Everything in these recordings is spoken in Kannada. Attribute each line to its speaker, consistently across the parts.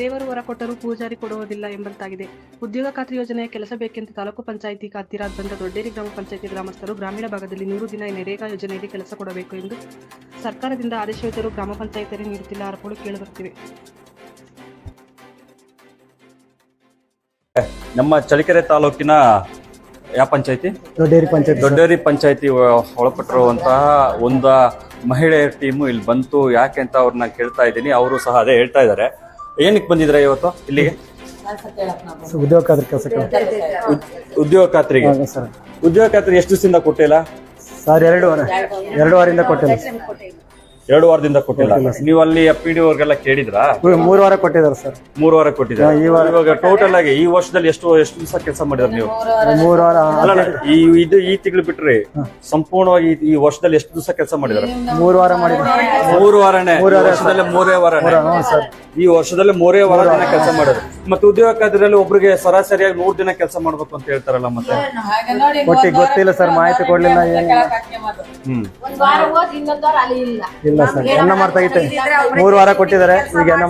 Speaker 1: ದೇವರು ವರ ಕೊಟ್ಟರೂ ಪೂಜಾರಿ ಕೊಡುವುದಿಲ್ಲ ಎಂಬಂತಾಗಿದೆ. ಉದ್ಯೋಗ ಖಾತ್ರಿ ಯೋಜನೆಯ ಕೆಲಸ ಬೇಕೆಂದು ತಾಲೂಕು ಪಂಚಾಯಿತಿ ಹತ್ತಿರ ಬಂದ ದೊಡ್ಡೇರಿ ಗ್ರಾಮ ಪಂಚಾಯಿತಿ ಗ್ರಾಮಸ್ಥರು ಗ್ರಾಮೀಣ ಭಾಗದಲ್ಲಿ 100 ದಿನ ನರೇಗಾ ಯೋಜನೆಯಲ್ಲಿ ಕೆಲಸ ಕೊಡಬೇಕು ಎಂದು ಸರ್ಕಾರದಿಂದ ಆದೇಶವಿದ್ದರೂ ಗ್ರಾಮ ಪಂಚಾಯಿತಿಯರೇ ನೀಡುತ್ತಿಲ್ಲ ಆರೋಪಗಳು ಕೇಳಿಬರುತ್ತಿವೆ.
Speaker 2: ನಮ್ಮ ಚಳ್ಳಕೆರೆ ತಾಲೂಕಿನ ಯಾವ ಪಂಚಾಯತಿ
Speaker 3: ದೊಡ್ಡೇರಿ
Speaker 2: ಪಂಚಾಯತಿ ಒಳಪಟ್ಟಿರುವಂತಹ ಒಂದು ಮಹಿಳೆಯರ ಟೀಮು ಇಲ್ಲಿ ಬಂತು. ಯಾಕೆ ಅಂತ ಅವ್ರನ್ನ ಕೇಳ್ತಾ ಇದ್ದೀನಿ. ಅವರು ಸಹ ಅದೇ ಹೇಳ್ತಾ ಇದ್ದಾರೆ. ಏನಕ್ಕೆ ಬಂದಿದ್ರೆ ಇವತ್ತು ಇಲ್ಲಿಗೆ?
Speaker 3: ಉದ್ಯೋಗ ಖಾತ್ರಿ ಕೆಲಸಕ್ಕೆ.
Speaker 2: ಉದ್ಯೋಗ ಖಾತ್ರಿಗೆ. ಉದ್ಯೋಗ ಖಾತ್ರಿ ಎಷ್ಟು ದಿವಸದಿಂದ ಕೊಟ್ಟಿಲ್ಲ
Speaker 3: ಸರ್? 2 ವಾರದಿಂದ ಕೊಟ್ಟಿಲ್ಲ.
Speaker 2: 2 ವಾರದಿಂದ ಕೊಟ್ಟಿಲ್ಲ. ನೀವು ಅಲ್ಲಿ PDO ಅವ್ರಿಗೆಲ್ಲ ಕೇಳಿದ್ರಾ?
Speaker 3: 3 ವಾರ ಕೊಟ್ಟಿದ್ದಾರೆ ಸರ್.
Speaker 2: 3 ವಾರ ಕೊಟ್ಟಿದ್ದಾರೆ. ಇವಾಗ ಟೋಟಲ್ ಆಗಿ ಈ ವರ್ಷದಲ್ಲಿ ಎಷ್ಟು ದಿವಸ ಕೆಲಸ ಮಾಡಿದ್ರೆ ನೀವು?
Speaker 3: 3 ವಾರ.
Speaker 2: ಈ ತಿಂಗಳು ಬಿಟ್ರಿ ಸಂಪೂರ್ಣವಾಗಿ ಈ ವರ್ಷದಲ್ಲಿ ಎಷ್ಟು ದಿವಸ ಕೆಲಸ ಮಾಡಿದ್ರೆ?
Speaker 3: 3 ವಾರ ಮಾಡಿದ್ರೆ.
Speaker 2: 3 ವಾರನೇ. ವರ್ಷದಲ್ಲಿ 3 ವಾರನೇ. ಈ ವರ್ಷದಲ್ಲಿ 3 ವಾರ ದಿನ ಕೆಲಸ ಮಾಡೋದು. ಮತ್ತೆ ಉದ್ಯೋಗ ಖಾತ್ರಿಯಲ್ಲಿ ಒಬ್ರಿಗೆ ಸರಾಸರಿಯಾಗಿ 100 ದಿನ ಕೆಲಸ ಮಾಡ್ಬೇಕು ಅಂತ ಹೇಳ್ತಾರಲ್ಲ. ಮತ್ತೆ
Speaker 3: ಗೊತ್ತಿಲ್ಲ ಸರ್, ಮಾಹಿತಿ ಕೊಡ್ಲಿಲ್ಲ. ಇಲ್ಲ ಸರ್, ಎನ್ನ ಮಾಡ್ತಾ ಇತ್ತೆ. 3 ವಾರ ಕೊಟ್ಟಿದ್ದಾರೆ. ಈಗ ಎನ್ನ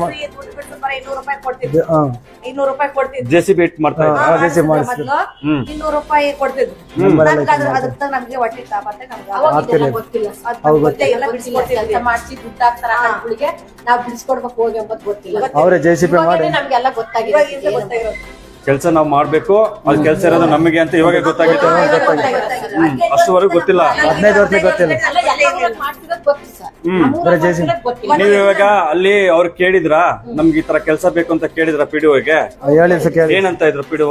Speaker 2: JCB ಇಟ್ ಮಾಡ್ತಾ ಇದ್ದಾರೆ.
Speaker 4: ₹200 ಕೊಡ್ತಿದ್ರು. ನಮ್ಗೆ ಹೊಟ್ಟೆ ತಾಪತ್ತೆ. ನಾವು ಬಿಡಿಸ್ಕೊಡ್ಬೇಕು ಹೋಗಿ ಎಂಬುದು ಗೊತ್ತಿಲ್ಲ.
Speaker 3: ಅವರೇ JCB ಮಾಡಿ
Speaker 4: ನಮ್ಗೆಲ್ಲ ಗೊತ್ತಾಗಿದೆ.
Speaker 2: ಕೆಲಸ ನಾವು ಮಾಡ್ಬೇಕು, ಅದು ಕೆಲಸ ಇರೋದು ನಮಗೆ ಅಂತ ಇವಾಗ ಗೊತ್ತಾಗಿತ್ತು. ಅಷ್ಟುವರೆಗೂ ಗೊತ್ತಿಲ್ಲ.
Speaker 3: 15 ವರ್ಷ ಗೊತ್ತಿಲ್ಲ.
Speaker 2: ನೀವು ಇವಾಗ ಅಲ್ಲಿ ಅವ್ರು ಕೇಳಿದ್ರ ನಮ್ಗೆ ಈ ತರ ಕೆಲಸ ಬೇಕು ಅಂತ ಕೇಳಿದ್ರ PDOಗೆ? ಏನಂತ ಇದ್ರು PDO?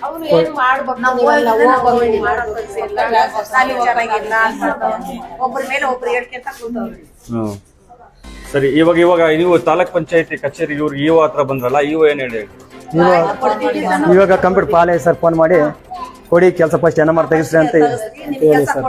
Speaker 2: ಸರಿ, ಇವಾಗ ನೀವು ತಾಲೂಕ್ ಪಂಚಾಯತಿ ಕಚೇರಿ ಇವ್ರು EO ಹತ್ರ ಬಂದ್ರಲ್ಲ, EO ಏನ್ ಹೇಳಿ?
Speaker 3: ಇವಾಗ ಕಂಪ್ಯೂಟರ್ ಪಾಲೆ ಸರ್ ಫೋನ್ ಮಾಡಿ ಕೊಡಿ ಕೆಲಸ ಫಸ್ಟ್ NMR ತೆಗಿಸ್ರಿ ಅಂತ ಹೇಳಿ ಸರ್.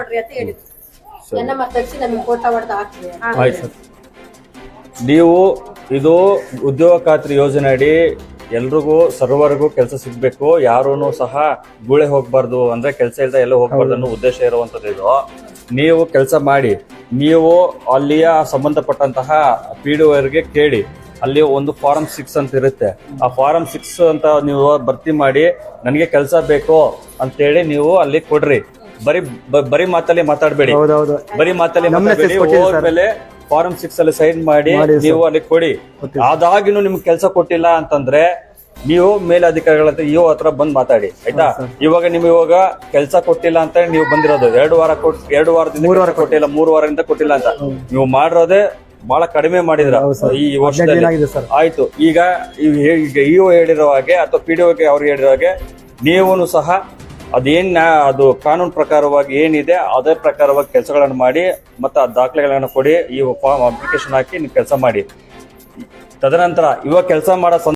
Speaker 2: ಆಯ್ತು ಸರ್. ನೀವು ಇದು ಉದ್ಯೋಗ ಖಾತ್ರಿ ಯೋಜನೆ ಅಡಿ ಎಲ್ರಿಗೂ ಸರ್ವರ್ಗೂ ಕೆಲಸ ಸಿಗ್ಬೇಕು, ಯಾರೂ ಸಹ ಗೂಳೆ ಹೋಗ್ಬಾರ್ದು, ಅಂದ್ರೆ ಕೆಲಸ ಇಲ್ಲದೆ ಎಲ್ಲೋ ಹೋಗ್ಬಾರ್ದು ಅನ್ನೋ ಉದ್ದೇಶ ಇರುವಂತದ್ದು ಇದು. ನೀವು ಕೆಲಸ ಮಾಡಿ, ನೀವು ಅಲ್ಲಿಯ ಸಂಬಂಧಪಟ್ಟಂತಹ PDOಗೆ ಕೇಳಿ. ಅಲ್ಲಿ ಒಂದು ಫಾರಂ 6 ಅಂತ ಇರುತ್ತೆ. ಆ ಫಾರಂ 6 ಅಂತ ನೀವು ಭರ್ತಿ ಮಾಡಿ ನನಗೆ ಕೆಲಸ ಬೇಕು ಅಂತೇಳಿ ನೀವು ಅಲ್ಲಿ ಕೊಡ್ರಿ. ಬರೀ ಮಾತಲ್ಲಿ ಮಾತಾಡ್ಬೇಡಿ. ಬರೀ ಮಾತಲ್ಲಿ ಹೋದ್ಮೇಲೆ ಫಾರಂ 6 ಅಲ್ಲಿ ಸೈನ್ ಮಾಡಿ ನೀವು ಅಲ್ಲಿ ಕೊಡಿ. ಅದಾಗಿನೂ ನಿಮ್ಗೆ ಕೆಲಸ ಕೊಟ್ಟಿಲ್ಲ ಅಂತಂದ್ರೆ ನೀವು ಮೇಲಧಿಕಾರಿಗಳಂತ EO ಹತ್ರ ಬಂದ್ ಮಾತಾಡಿ, ಆಯ್ತಾ? ಇವಾಗ ಕೆಲಸ ಕೊಟ್ಟಿಲ್ಲ ಅಂತ ನೀವು ಬಂದಿರೋದು 2 ವಾರದಿಂದ 3 ವಾರ ಕೊಟ್ಟಿಲ್ಲ, 3 ವಾರದಿಂದ ಕೊಟ್ಟಿಲ್ಲ ಅಂತ ನೀವು ಮಾಡಿರೋದೇ ಬಹಳ ಕಡಿಮೆ ಮಾಡಿದ್ರ ಈ ವರ್ಷದಲ್ಲಿ. ಆಯ್ತು, ಈಗ EO ಹೇಳಿರೋ ಹಾಗೆ ಅಥವಾ PDOಗೆ ಅವ್ರಿಗೆ ಹೇಳಿರೋ ಹಾಗೆ ನೀವು ಸಹ ಅದು ಕಾನೂನು ಪ್ರಕಾರವಾಗಿ ಏನಿದೆ ಅದೇ ಪ್ರಕಾರವಾಗಿ ಕೆಲಸಗಳನ್ನು ಮಾಡಿ ಮತ್ತೆ ಆ ದಾಖಲೆಗಳನ್ನು ಕೊಡಿ. ಈ ಫಾರ್ಮ್ ಅಪ್ಲಿಕೇಶನ್ ಹಾಕಿ ನೀವು ಕೆಲಸ ಮಾಡಿ. ತದನಂತರ ಇವಾಗ ಕೆಲಸ ಮಾಡೋ